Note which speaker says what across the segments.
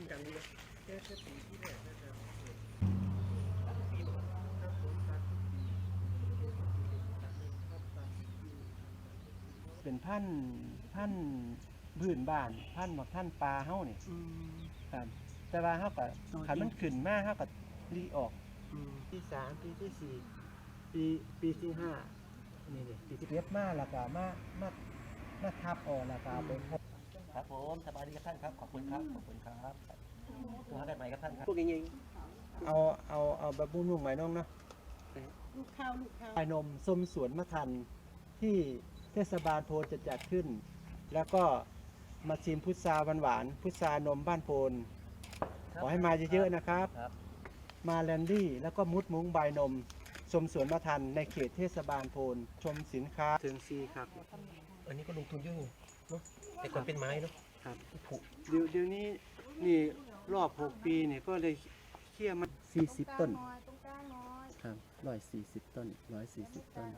Speaker 1: เป็นพันพื้นบ้านพันหมักพันปลาเฮานี่ครับแต่ว่าเฮาก็ขันมันขึ้นมาเฮาก็รีออกปี3ปีที่4ปีที่5นี่ปีที่เก็บมาแล้วก็มาทับออกแล้วก็ไปพบครับผมสบายดีครับท่านครับขอบคุณครับตัวกันใหม่ครับท่านครับพวกนี้เอาแบบนุ่มๆใหม่น้องเนาะ
Speaker 2: ลูกข้าว
Speaker 1: ไอ้นมส้มสวนมะทันที่เทศบาลโพนจะจัดขึ้นแล้วก็มาชิมพุทราหวานพุทรานมบ้านโพนขอให้มาเยอะๆนะครับมาแลนดี้แล้วก็มุดมุ้งใบนมชมสวนมะทันในเขตเทศบาลโพนชมสินค้าเชิงซีครับ
Speaker 3: อันนี้ก็ลงทุนเยอะเนาะแต่ก่อนเป็นไม้เนาะ
Speaker 1: ครับเดี๋ยวนี้นี่รอบ6ปีเนี่ยก็เลยเขี่ยมา40 ต้นครับ140 ต้น140 ต้น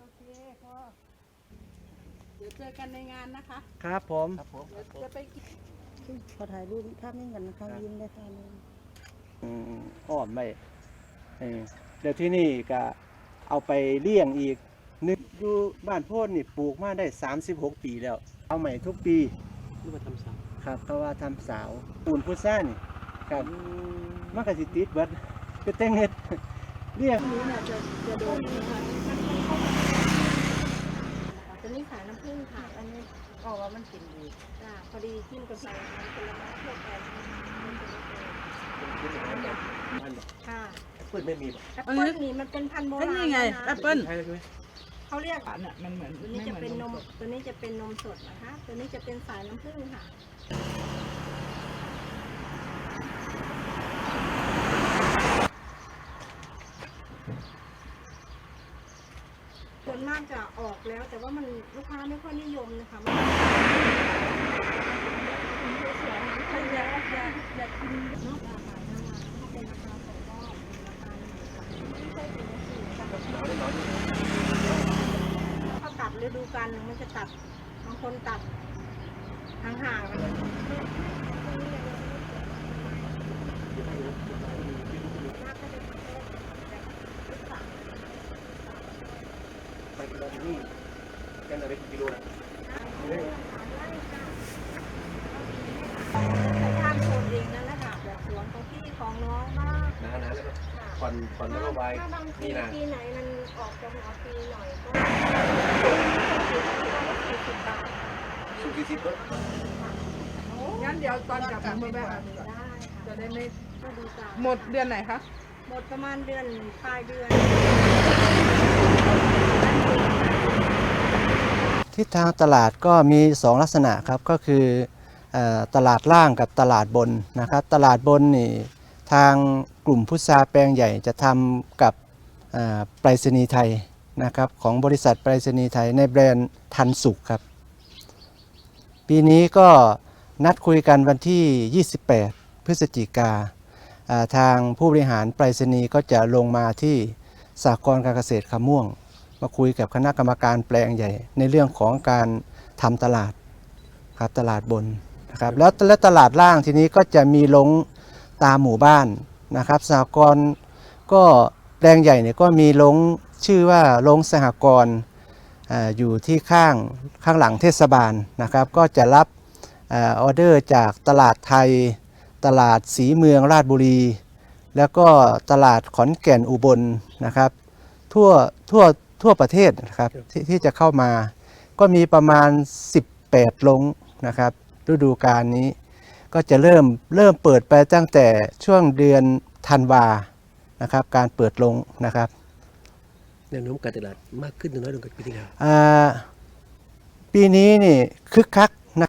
Speaker 2: เดี๋ยวเจอกันในงานนะคะ
Speaker 1: ครับผม
Speaker 2: จะไปกินขอถ่ายรูปภาพนิ่งกันนะคะยิ้มได้ค่ะ
Speaker 1: อ้อมไปเดี๋ยวที่นี่ก็เอาไปเลี้ยงอีกนึกอยู่บ้านโพนนี่ปลูกมาได้36 ปีแล้วเอาใหม่ทุกปี
Speaker 3: นี่มาทำสาว
Speaker 1: ครับเพราะว่าทำสาวปูนพุทรานี่ครับมันก็สิติดเบิดก็แต่งเฮ็ดเลี้ยง
Speaker 2: นี้เนี่ยจะโดนตัวนี้ขายน้ำผึ้งค่ะอันนี้ก็ว่ามันกินดีพอดีจิ้มกับใส่ผลไม้ทั่วไปค่ะ
Speaker 3: แอปเปิ้ลไม่มี
Speaker 2: แอปเปิ้ลนี่มันเป็นพันธุ์โบราณ
Speaker 4: นี่ไงแอปเปิ้ล
Speaker 2: เขาเรียก
Speaker 4: เนี่ยมันเหมือน
Speaker 2: ตัวนี้จะเป็นนมตัวนี้จะเป็นนมสดนะคะตัวนี้จะเป็นสายน้ำผึ้งค่ะส่วนมากจะออกแล้วแต่ว่ามันลูกค้าไม่ค่อยนิยมนะคะอยากกินนอกราคาถ้าเป็นราคาของก็ราคาไม่ใช่เป็นสี่ถ้าตัดฤดูกาลมันจะตัดบางคนตัดห่างๆเลย
Speaker 3: ไปกิโลนี่กันอะไรกิโลนะ
Speaker 2: ทานโซนเองนั่นแหละค่ะแบบสวนของพี่ของน้องมาก
Speaker 3: นานแล้วผ่อนแล้วก็ไว้
Speaker 2: นี่นะปีไหนมันออกจะหัวปีหน่อยก็40 บาท
Speaker 3: สูง40ก็
Speaker 4: งั้นเดี๋ยวตอนกลับมาแบบจะได้ไม่หมดเดือนไหนคะ
Speaker 2: หมดประมาณเดือนปลายเดือน
Speaker 1: ทิศทางตลาดก็มี2 ลักษณะครับก็คือตลาดล่างกับตลาดบนนะครับตลาดบนนี่ทางกลุ่มพุทราแปลงใหญ่จะทำกับไปรษณีย์ไทยนะครับของบริษัทไปรษณีย์ไทยในแบรนด์ทันสุขครับปีนี้ก็นัดคุยกันวันที่28 พฤศจิกาทางผู้บริหารไปรษณีย์ก็จะลงมาที่สหกรณ์การเกษตรคำม่วงมาคุยกับคณะกรรมการแปลงใหญ่ในเรื่องของการทำตลาดครับตลาดบนนะครับแล้วตลาดล่างทีนี้ก็จะมีลงตามหมู่บ้านนะครับสหกรณ์ก็แปลงใหญ่เนี่ยก็มีลงชื่อว่าลงสหกรณ์อยู่ที่ข้างหลังเทศบาลนะครับก็จะรับออเดอร์จากตลาดไทยตลาดศรีเมืองราชบุรีแล้วก็ตลาดขอนแก่นอุบลนะครับทั่วประเทศนะครับที่จะเข้ามาก็มีประมาณ18 ลงนะครับฤดูกาลนี้ก็จะเริ่มเปิดไปตั้งแต่ช่วงเดือนธันวานะครับการเปิดลงนะครับ
Speaker 3: แนวโน้มการตลาดมากขึ้นหรือน้อยลงกว่าปีที่แล้ว
Speaker 1: ปีนี้นี่คึกคัก